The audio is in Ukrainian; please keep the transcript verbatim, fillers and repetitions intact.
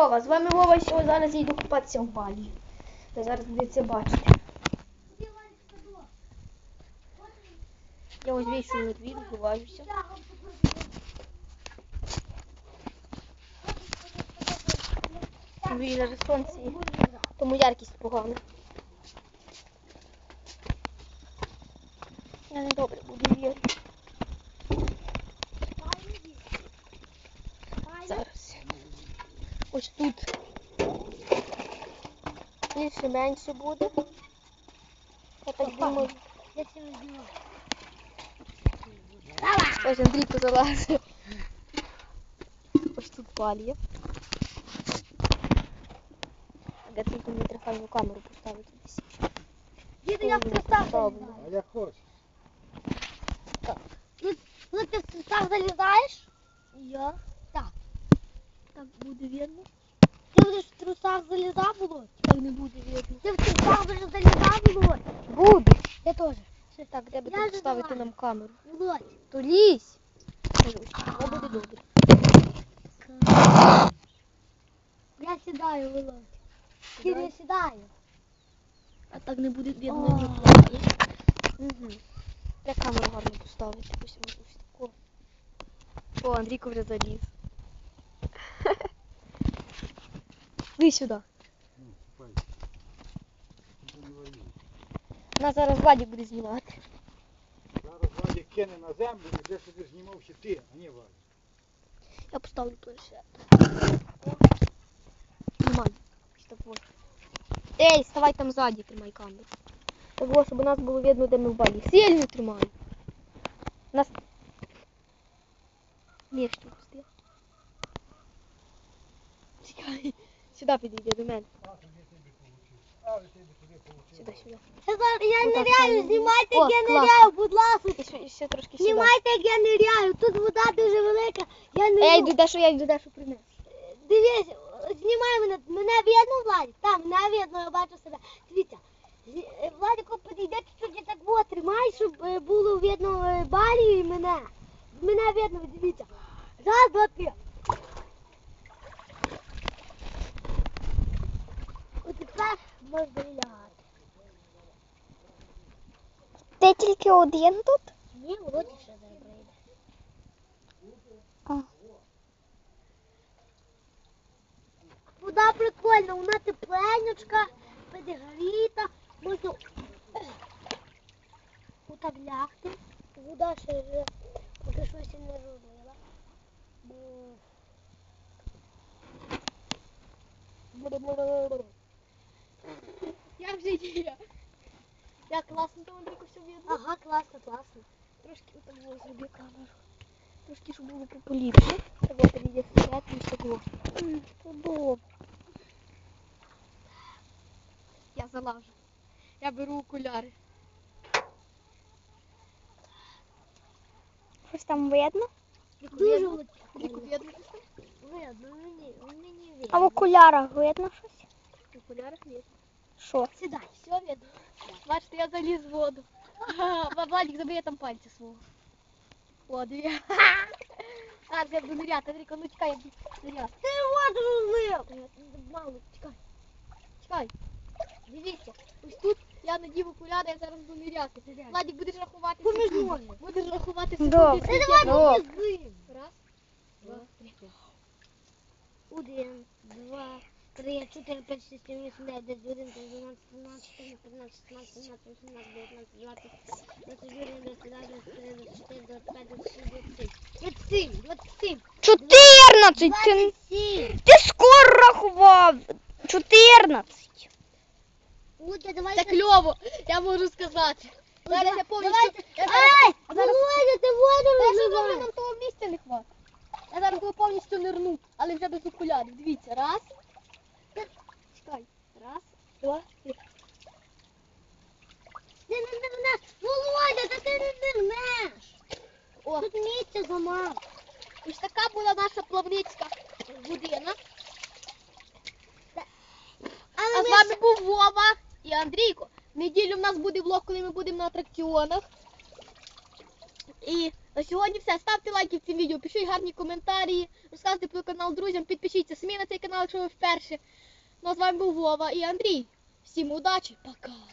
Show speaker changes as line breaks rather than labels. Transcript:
Вова, з вами Вова, що зараз я йду купатися в балі. Ви зараз будете бачити. Я ось вийшов на двір, виважуся. Двір зараз сонце, тому яркість погана. Я не добре буду вірити. Зараз. Ось тут більше менше буде. Я так думаю. Ось Андрій позалазив. Ось тут палія. Де тут мені трехальну камеру поставити десь.
Діду, я в трусах залізаю.
А як хочеш.
Ну ти в трусах залізаєш?
Я?
Так.
Так буде видно?
Ти будеш в трусах залізав, Володь?
Так не буде видно.
Ти в трусах будеш залізав, Володь?
Буду.
Я теж.
Так, де би
Я
тут
вже
поставити
давай.
нам камеру?
Володь.
То лізь. Це буде добре.
Я сідаю, Володь. Кір, я сідаю.
А так не буде видно
О.
ні плані. Угу. Де камеру гарно поставити? Ось ось ось тако. О, Андрійко вже заліз. Ви сюди.
Ну, ступай. Нічого не воює.
Нас зараз Владик буде знімати.
Зараз Владик кине на землю і вже собі знімав ще ти, а не Владик.
Я поставлю планшет. Знімай. Ось так вот. Ей, ставай там ззаді, тримай камеру. Так ось, щоб у нас було видно, де ми в балі. Сильно тримай. Нас... Ні, що пустив. Чекай. Сюди підійди до мене. Сюди, сюди.
Я, зараз- я
Отак
ниряю,
там.
знімайте,
О,
як я
класно.
ниряю, будь ласка.
І ще, і ще трошки сюди.
Знімайте, як я ниряю. Тут вода дуже велика. Я не
Ей, йду, дещо, я йду, дещо принес.
Дивись, знімай мене. Мене видно, Владик? Так, мене видно, я бачу себе. Дивіться. Зі- е, Владико, підійде чуть-чуть, я так вот тримай, щоб е, було видно е, Балі і мене. Мене видно, дивіться. Раз, два, три. От тепер можна і лягати.
Ти тільки один тут?
Ні, Володя ще зараз прийде.
А.
Вода прикольна, вона тепленючка, підігріта, можна отак лягти. Вода ще вже поки щось і не розлила.
Як же є? Як класно там, Андрійко, все видно.
Ага, класно, класно.
Трошки отак було зроби камеру. Трошки, щоб було поліпше. Так от підійде вперед і стекло. Удобно. Я залажу. Я беру окуляри. Щось там видно?
Дуже
Андрійко,
видно.
видно щось там?
Видно, мені, мені видно.
А в окулярах видно щось? В окулярах видно. Що?
Сідай.
Все видно. Бачите, я заліз в воду. Ага, Владик, забери там пальці свого. О, дві. А, я буду ныряти. Андрійко, ну чекай, я буду ныряти.
Ти воду розлив.
Мало, чекай. Чекай. Дивіться, ось тут я надів окуляри, я зараз буду ныряти. Владик, будеш рахувати
Поміж
секунди.
ноги.
Будеш рахувати
Добре.
секунди.
Ти
скільки
давай
я-
попізди.
Раз, два, три.
Один, два, три, чотири, п'ять, шість, сім, вісім, дев'ять, десять, одинадцять, дванадцять, тринадцять, чотирнадцять, п'ятнадцять, шістнадцять, сімнадцять, вісімнадцять, дев'ятнадцять, двадцять, двадцять один, двадцять два, двадцять три, двадцять чотири, двадцять п'ять, двадцять шість, двадцять сім, двадцять сім,
Чотирнадцять! Ти,
двадцять сім.
ти скоро рахував! Чотирнадцять!
Володя, давай.
Це кльово, я можу сказати. Зараз я повністю...
Давайте.
Я зараз...
Ай,
а зараз-
Володя, ти воду
Та що
розливаєш.
добре, нам того місця не хватить. Я зараз його повністю нирну, але вже без окулярів. Дивіться, раз. Чекай. Раз, два, три.
Ти не нирнеш. Володя, та ти не нирнеш.
О,
Тут місця замало.
ось така була наша плавницька година.
Але
А з
ми
вами був Вова і Андрійко. В неділю в нас буде влог, коли ми будемо на атракціонах. І На сьогодні все. Ставте лайки в цим відео, пишіть гарні коментарі, розказуйте про канал друзям, підпишіться самі на цей канал, якщо ви вперше. Ну а з вами був Вова і Андрій. Всім удачі, пока!